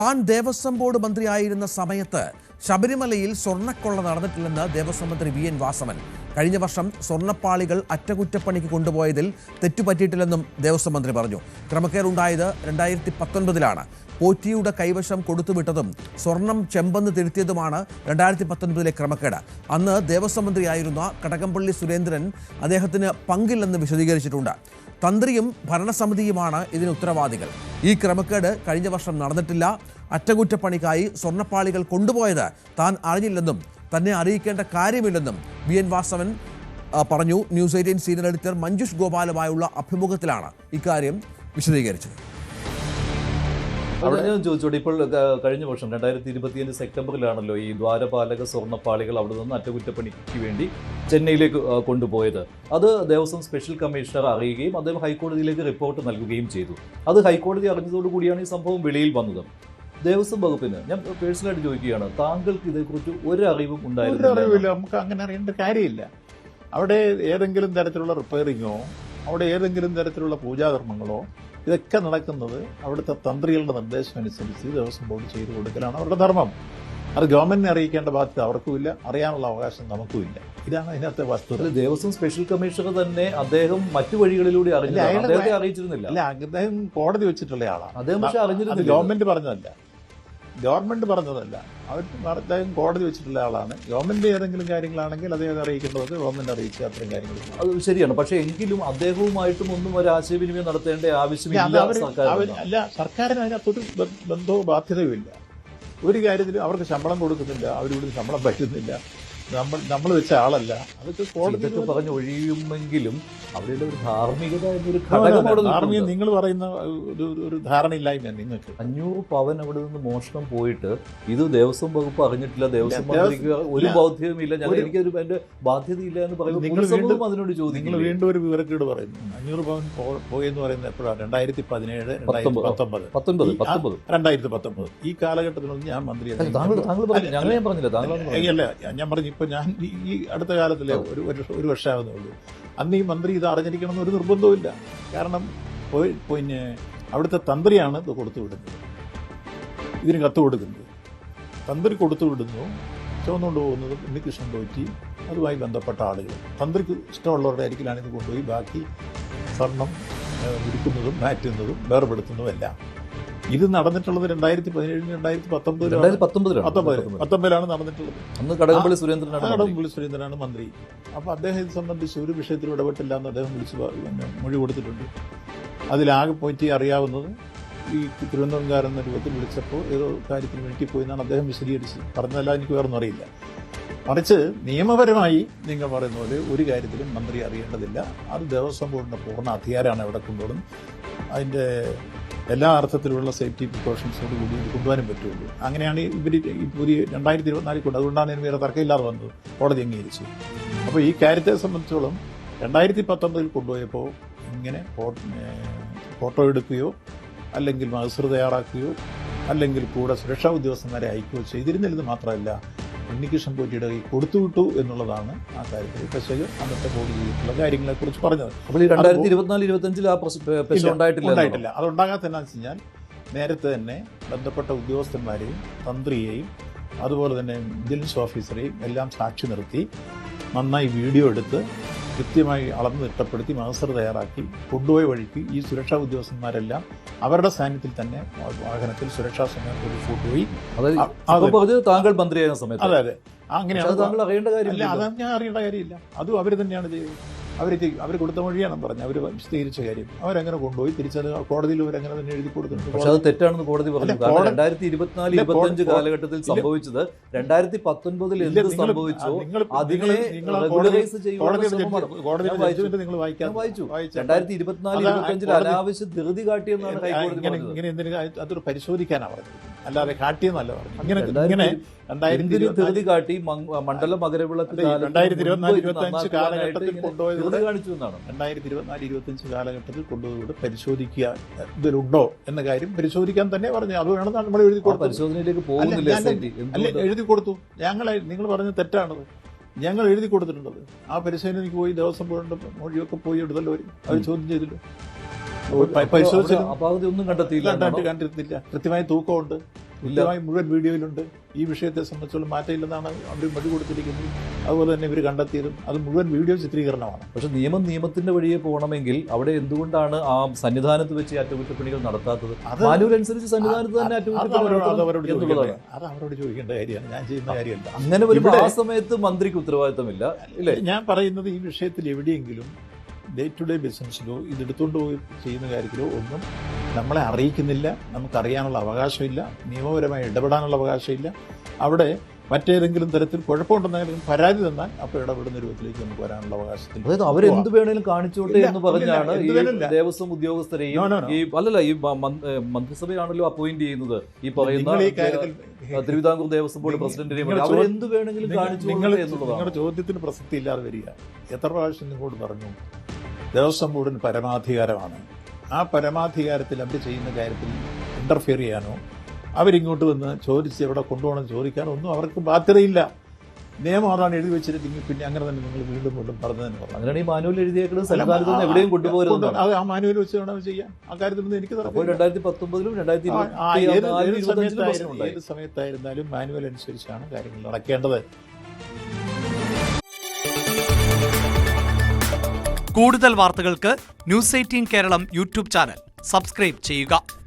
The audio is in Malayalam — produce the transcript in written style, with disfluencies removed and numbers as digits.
താൻ ദേവസ്വം ബോർഡ് മന്ത്രിയായിരുന്ന സമയത്ത് ശബരിമലയിൽ സ്വർണ്ണക്കൊള്ള നടന്നിട്ടില്ലെന്ന് ദേവസ്വം മന്ത്രി വി.എൻ. വാസവൻ. കഴിഞ്ഞ വർഷം സ്വർണ്ണപ്പാളികൾ അറ്റകുറ്റപ്പണിക്ക് കൊണ്ടുപോയതിൽ തെറ്റുപറ്റിയിട്ടില്ലെന്നും ദേവസ്വം മന്ത്രി പറഞ്ഞു. ക്രമക്കേടുണ്ടായത് 2019-ലാണ്. പോറ്റിയുടെ കൈവശം കൊടുത്തുവിട്ടതും സ്വർണം ചെമ്പെന്ന് തിരുത്തിയതുമാണ് 2019-ലെ ക്രമക്കേട്. അന്ന് ദേവസ്വം മന്ത്രിയായിരുന്ന കടകംപള്ളി സുരേന്ദ്രൻ അദ്ദേഹത്തിന് പങ്കില്ലെന്ന് വിശദീകരിച്ചിട്ടുണ്ട്. തന്ത്രിയും ഭരണസമിതിയുമാണ് ഇതിന് ഉത്തരവാദികൾ. ഈ ക്രമക്കേട് കഴിഞ്ഞ വർഷം നടന്നിട്ടില്ല. അറ്റകുറ്റപ്പണിക്കായി സ്വർണ്ണപ്പാളികൾ കൊണ്ടുപോയത് താൻ അറിഞ്ഞില്ലെന്നും തന്നെ അറിയിക്കേണ്ട കാര്യമില്ലെന്നും വി.എൻ. വാസവൻ പറഞ്ഞു. ന്യൂസ് 18 സീനിയർ എഡിറ്റർ മഞ്ജുഷ് ഗോപാലുമായുള്ള അഭിമുഖത്തിലാണ് ഇക്കാര്യം വിശദീകരിച്ചത്. അവിടെ ഞാൻ ചോദിച്ചോട്ടെ, ഇപ്പോൾ കഴിഞ്ഞ വർഷം 2025 സെപ്റ്റംബറിലാണല്ലോ ഈ ദ്വാരപാലക സ്വർണ്ണപ്പാളികൾ അവിടെ നിന്ന് അറ്റകുറ്റപ്പണിക്ക് വേണ്ടി ചെന്നൈയിലേക്ക് കൊണ്ടുപോയത്. അത് ദേവസ്വം സ്പെഷ്യൽ കമ്മീഷണർ അറിയുകയും അദ്ദേഹം ഹൈക്കോടതിയിലേക്ക് റിപ്പോർട്ട് നൽകുകയും ചെയ്തു. അത് ഹൈക്കോടതി അറിഞ്ഞതോടുകൂടിയാണ് ഈ സംഭവം വെളിയിൽ വന്നത്. ദേവസ്വം വകുപ്പിന് ഞാൻ പേഴ്സണലായിട്ട് ചോദിക്കുകയാണ്, താങ്കൾക്ക് ഇതേക്കുറിച്ച് ഒരു അറിവും ഉണ്ടായിരുന്നില്ല? നമുക്ക് അങ്ങനെ അറിയേണ്ട കാര്യമില്ല. അവിടെ ഏതെങ്കിലും തരത്തിലുള്ള റിപ്പയറിങ്ങോ അവിടെ ഏതെങ്കിലും തരത്തിലുള്ള പൂജാകർമ്മങ്ങളോ ഇതൊക്കെ നടക്കുന്നത് അവിടുത്തെ തന്ത്രികളുടെ നിർദ്ദേശം അനുസരിച്ച് ദേവസ്വം ബോർഡ് ചെയ്തു കൊടുക്കലാണ് അവരുടെ ധർമ്മം. അത് ഗവൺമെന്റിനെ അറിയിക്കേണ്ട ബാധ്യത അവർക്കുമില്ല, അറിയാനുള്ള അവകാശം നമുക്കുമില്ല. ഇതാണ് അതിനകത്തെ വസ്തുത. ദേവസ്വം സ്പെഷ്യൽ കമ്മീഷണർ തന്നെ അദ്ദേഹം മറ്റു വഴികളിലൂടെ അറിയിച്ചിരുന്നില്ല. അല്ല, അദ്ദേഹം കോടതി വെച്ചിട്ടുള്ള ആളാണ്. അദ്ദേഹം പക്ഷെ അറിഞ്ഞിരുന്നില്ല. ഗവൺമെന്റ് പറഞ്ഞതല്ല, അദ്ദേഹം കോടതി വെച്ചിട്ടുള്ള ആളാണ്. ഗവൺമെന്റ് ഏതെങ്കിലും കാര്യങ്ങളാണെങ്കിൽ അദ്ദേഹം അറിയിക്കേണ്ടത് ഗവൺമെന്റ് അറിയിച്ച അത്തരം കാര്യങ്ങൾ അത് ശരിയാണ്. പക്ഷെ എങ്കിലും അദ്ദേഹവുമായിട്ടും ഒന്നും ഒരു ആശയവിനിമയം നടത്തേണ്ട ആവശ്യമില്ല. അല്ല, സർക്കാരിന് അതിനകത്തൊരു ബന്ധവും ബാധ്യതയും ഇല്ല. ഒരു കാര്യത്തിലും അവർക്ക് ശമ്പളം കൊടുക്കുന്നില്ല, അവരിവിടെ ശമ്പളം പറ്റുന്നില്ല, നമ്മൾ വെച്ച ആളല്ല. അതൊക്കെ കോടതി പറഞ്ഞ് ഒഴിയുമെങ്കിലും അവിടെയുള്ള ഒരു ധാർമ്മികത എന്നൊരു ഘടകം നിങ്ങൾ പറയുന്ന ഒരു ധാരണയില്ലായ്മ നിങ്ങൾക്ക്. 500 പവൻ അവിടെ നിന്ന് മോഷണം പോയിട്ട് ഇത് ദേവസ്വം വകുപ്പ് അറിഞ്ഞിട്ടില്ല, ദേവസ്വം മന്ത്രിക്ക് ഒരു ബോധ്യവുമില്ല, എനിക്കൊരു എന്റെ ബാധ്യതയില്ല എന്ന് പറയുമ്പോൾ അതിനോട് ചോദിക്കും. നിങ്ങൾ വീണ്ടും ഒരു വിവരക്കേട് പറയുന്നു. 500 പവൻ പോയെന്ന് പറയുന്നത് എപ്പോഴാണ്? 2017, 2019. ഈ കാലഘട്ടത്തിലൊന്നും ഞാൻ മന്ത്രിയല്ല. ഞാൻ പറഞ്ഞു, ഇപ്പൊ ഞാൻ ഈ അടുത്ത കാലത്തിലെ ഒരു വർഷമാകുന്നേ ഉള്ളൂ. അന്ന് ഈ മന്ത്രി ഇത് അറിഞ്ഞിരിക്കണമെന്ന് ഒരു നിർബന്ധവുമില്ല. കാരണം പിന്നെ അവിടുത്തെ തന്ത്രിയാണ് ഇത് കൊടുത്തുവിടുന്നത്, ഇതിന് കത്ത് കൊടുക്കുന്നത്. തന്ത്രി കൊടുത്തുവിടുന്നു, ചുവന്നുകൊണ്ട് പോകുന്നത് ഉണ്ണികൃഷ്ണൻ പോറ്റി അതുമായി ബന്ധപ്പെട്ട ആളുകൾ. തന്ത്രിക്ക് ഇഷ്ടമുള്ളവരുടെ അരികിലാണ് ഇത് കൊണ്ടുപോയി ബാക്കി സ്വർണം ഉരുക്കുന്നതും മാറ്റുന്നതും വേർപെടുത്തുന്നതും എല്ലാം. ഇത് നടന്നിട്ടുള്ളത് 2017, 2019 നടന്നിട്ടുള്ളത്. അന്ന് കടകംപള്ളി സുരേന്ദ്രനാണ് മന്ത്രി. അപ്പൊ അദ്ദേഹം ഇത് സംബന്ധിച്ച് ഒരു വിഷയത്തിൽ ഇടപെട്ടില്ല എന്ന് അദ്ദേഹം മൊഴി കൊടുത്തിട്ടുണ്ട്. അതിലാകെ പോയിട്ട് അറിയാവുന്നത് ഈ തിരുവനന്തപുരംകാരൻ എന്ന രൂപത്തിൽ വിളിച്ചപ്പോൾ ഏതോ കാര്യത്തിന് വേണ്ടിപ്പോയി എന്നാണ് അദ്ദേഹം വിശദീകരിച്ചത്. പറഞ്ഞതല്ല, എനിക്ക് വേറൊന്നും അറിയില്ല. മറിച്ച് നിയമപരമായി നിങ്ങൾ പറയുന്ന പോലെ ഒരു കാര്യത്തിലും മന്ത്രി അറിയേണ്ടതില്ല. അത് ദേവസ്വം ബോർഡിന്റെ പൂർണ്ണ അധികാരമാണ് ഇവിടെ കൊണ്ടുപോകുന്നത്. അതിന്റെ എല്ലാ അർത്ഥത്തിലുള്ള സേഫ്റ്റി പ്രിക്കോഷൻസോട് കൂടി ഇത് കൊണ്ടുപോകാനും പറ്റുള്ളൂ. അങ്ങനെയാണ് ഇവർ ഈ പുതിയ 2024 കൊണ്ട്. അതുകൊണ്ടാണ് ഇതിന് വേറെ തർക്കമില്ലാതെ വന്നത്, കോടതി അംഗീകരിച്ചു. അപ്പോൾ ഈ കാര്യത്തെ സംബന്ധിച്ചോളം 2019 കൊണ്ടുപോയപ്പോൾ ഇങ്ങനെ ഫോട്ടോ എടുക്കുകയോ അല്ലെങ്കിൽ മഹസർ തയ്യാറാക്കുകയോ അല്ലെങ്കിൽ കൂടെ സുരക്ഷാ ഉദ്യോഗസ്ഥന്മാരെ അയക്കുകയോ ചെയ്തിരുന്നില്ലെന്ന് മാത്രമല്ല, ഉണ്ണികൃഷ്ണൻ പോറ്റിയുടെ കൈ കൊടുത്തുവിട്ടു എന്നുള്ളതാണ് ആ കാര്യത്തിൽ പെശക് അന്നത്തെ ബോർഡ് ചെയ്തിട്ടുള്ള കാര്യങ്ങളെ കുറിച്ച് പറഞ്ഞത്. അപ്പോൾ 2024-25 ഉണ്ടായിട്ടില്ല. അതുണ്ടാകാത്തതെന്നു വെച്ച് കഴിഞ്ഞാൽ നേരത്തെ തന്നെ ബന്ധപ്പെട്ട ഉദ്യോഗസ്ഥന്മാരെയും തന്ത്രിയെയും അതുപോലെ തന്നെ ഇന്റലിജൻസ് ഓഫീസറെയും എല്ലാം സാക്ഷി നിർത്തി നന്നായി വീഡിയോ എടുത്ത് കൃത്യമായി അളന്ന് തിട്ടപ്പെടുത്തി മഹസർ തയ്യാറാക്കി കൊണ്ടുപോയ വഴിക്ക് ഈ സുരക്ഷാ ഉദ്യോഗസ്ഥന്മാരെല്ലാം അവരുടെ സാന്നിധ്യത്തിൽ തന്നെ വാഹനത്തിൽ സുരക്ഷാ സമയം കൊണ്ടുപോയി. താങ്കൾ മന്ത്രിയായ സമയത്ത് അതെ അങ്ങനെയാണ്. താങ്കൾ അറിയേണ്ട കാര്യമില്ല. അത് ഞാൻ അറിയേണ്ട കാര്യമില്ല. അതും അവർ തന്നെയാണ് ചെയ്തത്. അവർ കൊടുത്ത മൊഴിയാണ് പറഞ്ഞത്. അവർ വിശദീകരിച്ച കാര്യം അവരങ്ങനെ കൊണ്ടുപോയി തിരിച്ചത് കോടതിയിൽ അവരങ്ങനെ തന്നെ എഴുതി കൊടുത്തിട്ടുണ്ട്. പക്ഷെ അത് തെറ്റാണെന്ന് കോടതി പറഞ്ഞു. 2024-25 കാലഘട്ടത്തിൽ സംഭവിച്ചത് 2019 എന്ത് സംഭവിച്ചോ അതിനെ റെഗുലറൈസ് വായിച്ചു. 2024-25 അനാവശ്യ ധൃതി കാട്ടിയെന്നാണ് ഹൈക്കോടതി ഇങ്ങനെ അതൊരു പരിശോധിക്കാനാണ് പറഞ്ഞത്, അല്ലാതെ കാട്ടിയെന്നല്ല പറഞ്ഞു. ഇങ്ങനെ ധൃതി കാട്ടി മണ്ഡല മകരവിളക്ക് 2024-25 കാലഘട്ടത്തിൽ കൊണ്ടുപോയത് 2024-25 കാലഘട്ടത്തിൽ കൊണ്ടുപോയി പരിശോധിക്കുക ഇതിലുണ്ടോ എന്ന കാര്യം പരിശോധിക്കാൻ തന്നെ പറഞ്ഞു. അത് വേണം നമ്മൾ എഴുതി കൊടുത്തു. പരിശോധനയിലേക്ക് പോകുന്നില്ല. എഴുതി കൊടുത്തു. നിങ്ങൾ പറഞ്ഞത് തെറ്റാണത്. ഞങ്ങൾ എഴുതി കൊടുത്തിട്ടുണ്ടത്. ആ പരിശോധനയ്ക്ക് പോയി ദേവസ്വം ബോർഡിന്റെ മൊഴിയൊക്കെ പോയി എടുത്തല്ലോ അവർ ചോദ്യം ചെയ്തല്ലോ. പരിശോധിച്ചു, ഒന്നും കണ്ടെത്തിയില്ല. കണ്ടെത്തില്ല. കൃത്യമായ തൂക്കമുണ്ട്. കൃത്യമായി മുഴുവൻ വീഡിയോയിലുണ്ട്. ഈ വിഷയത്തെ സംബന്ധിച്ചുള്ള മാറ്റമില്ലെന്നാണ് അവർ മൊഴി കൊടുത്തിരിക്കുന്നത്. അതുപോലെ തന്നെ ഇവർ കണ്ടെത്തിയതും അത് മുഴുവൻ വീഡിയോ ചിത്രീകരണമാണ്. പക്ഷെ നിയമത്തിന്റെ വഴിയെ പോകണമെങ്കിൽ അവിടെ എന്തുകൊണ്ടാണ് ആ സന്നിധാനത്ത് വെച്ച് അറ്റകുറ്റപ്പണികൾ നടത്താത്തത്? മാനുവൽ അനുസരിച്ച് സന്നിധാനത്ത് തന്നെ അറ്റകുറ്റപ്പണി അത് അവരോട് ചോദിക്കേണ്ട കാര്യമാണ്, ഞാൻ ചെയ്യുന്ന കാര്യമല്ല. അങ്ങനെ വരുമ്പോൾ ആ സമയത്ത് മന്ത്രിക്ക് ഉത്തരവാദിത്തമില്ല ഇല്ലേ? ഞാൻ പറയുന്നത് ഈ വിഷയത്തിൽ എവിടെയെങ്കിലും ഡേ ടു ഡേ ബിസിനസ്സിലോ ഇതെടുത്തുകൊണ്ട് പോയി ചെയ്യുന്ന കാര്യത്തിലോ ഒന്നും നമ്മളെ അറിയിക്കുന്നില്ല, നമുക്കറിയാനുള്ള അവകാശമില്ല, നിയമപരമായി ഇടപെടാനുള്ള അവകാശമില്ല. അവിടെ മറ്റേതെങ്കിലും തരത്തിൽ കുഴപ്പമുണ്ടെന്നെങ്കിലും പരാതി തന്നാൽ അപ്പോൾ ഇടപെടുന്ന രൂപത്തിലേക്ക് നമുക്ക് വരാനുള്ള അവകാശത്തിൽ. അതായത് അവരെന്ത് വേണേലും കാണിച്ചോട്ടെ എന്ന് പറഞ്ഞാണ് ഈ ദേവസ്വം ഉദ്യോഗസ്ഥരെയും ഈ മന്ത്രിസഭയാണല്ലോ അപ്പോയിന്റ് ചെയ്യുന്നത് ഈ പറയുന്ന തിരുവിതാംകൂർ ദേവസ്വം ബോർഡ് പ്രസിഡന്റിനെയും അവരെന്ത് വേണമെങ്കിലും കാണിച്ചോട്ടെ എന്നുള്ളതാണ്. നിങ്ങളുടെ ചോദ്യത്തിന് പ്രസക്തി ഇല്ലാതെ വരിക. എത്ര പ്രാവശ്യം നിങ്ങളോട് പറഞ്ഞു ദേവസ്വം ബോർഡിന് പരമാധികാരമാണ്. ആ പരമാധികാരത്തിൽ അവർ ചെയ്യുന്ന കാര്യത്തിൽ ഇന്റർഫിയർ ചെയ്യാനോ അവരിങ്ങോട്ട് വന്ന് ചോദിച്ച് എവിടെ കൊണ്ടുപോകണം ചോദിക്കാനോ ഒന്നും അവർക്ക് ബാധ്യതയില്ല. നിയമം അതാണ് എഴുതി വെച്ചിരുന്നെങ്കിൽ പിന്നെ അങ്ങനെ തന്നെ നിങ്ങൾ വീണ്ടും വീണ്ടും പറഞ്ഞു തന്നെ പറഞ്ഞു. അങ്ങനെയാണ് ഈ മാനുവൽ എഴുതിയേക്കുന്നത്. സന്നിധാനത്ത് എവിടെയും കൊണ്ടുപോകരുത്. അത് ആ മാനുവൽ വെച്ച് വേണം ചെയ്യാൻ. ആ കാര്യത്തിൽ എനിക്ക് 2019-ലും 2025-ലും ഏത് സമയത്തായിരുന്നാലും മാനുവൽ അനുസരിച്ചാണ് കാര്യങ്ങൾ നടക്കേണ്ടത്. കൂടുതൽ വാർത്തകൾക്ക് news 18 Keralam YouTube channel subscribe ചെയ്യുക.